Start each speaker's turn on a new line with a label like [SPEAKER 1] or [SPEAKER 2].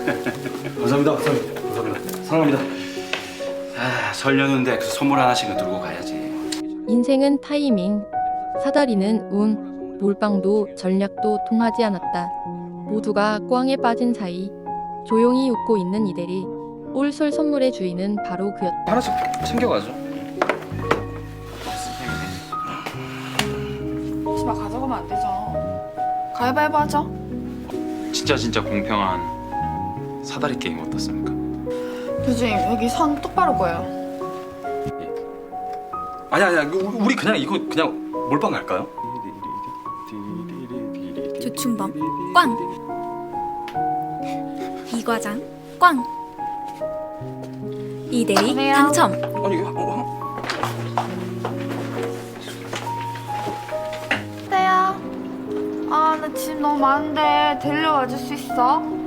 [SPEAKER 1] 감사합니다. 감사합니다. 사랑합니다.
[SPEAKER 2] 아, 설 연휴인데 그 선물 하나씩은 들고 가야지.
[SPEAKER 3] 인생은 타이밍, 사다리는 운, 몰빵도 전략도 통하지 않았다. 모두가 꽝에 빠진 사이 조용히 웃고 있는 이대리. 올설 선물의 주인은 바로 그였다.
[SPEAKER 2] 하나씩 챙겨가죠.
[SPEAKER 4] 치마 가져가면 안 되죠. 가위바위보 하죠.
[SPEAKER 2] 진짜 공평한 사다리 게임 어떻습니까?
[SPEAKER 4] 교수님 여기 선 똑바로 보여요.
[SPEAKER 1] 아니야. 우리 그냥 이거 그냥 몰빵 갈까요?
[SPEAKER 5] 조충범 꽝. 이과장 꽝. 이대리
[SPEAKER 4] 안녕하세요.
[SPEAKER 5] 당첨.
[SPEAKER 1] 아니
[SPEAKER 4] 때야. 아, 나 짐 너무 많은데 데리러 와줄 수 있어?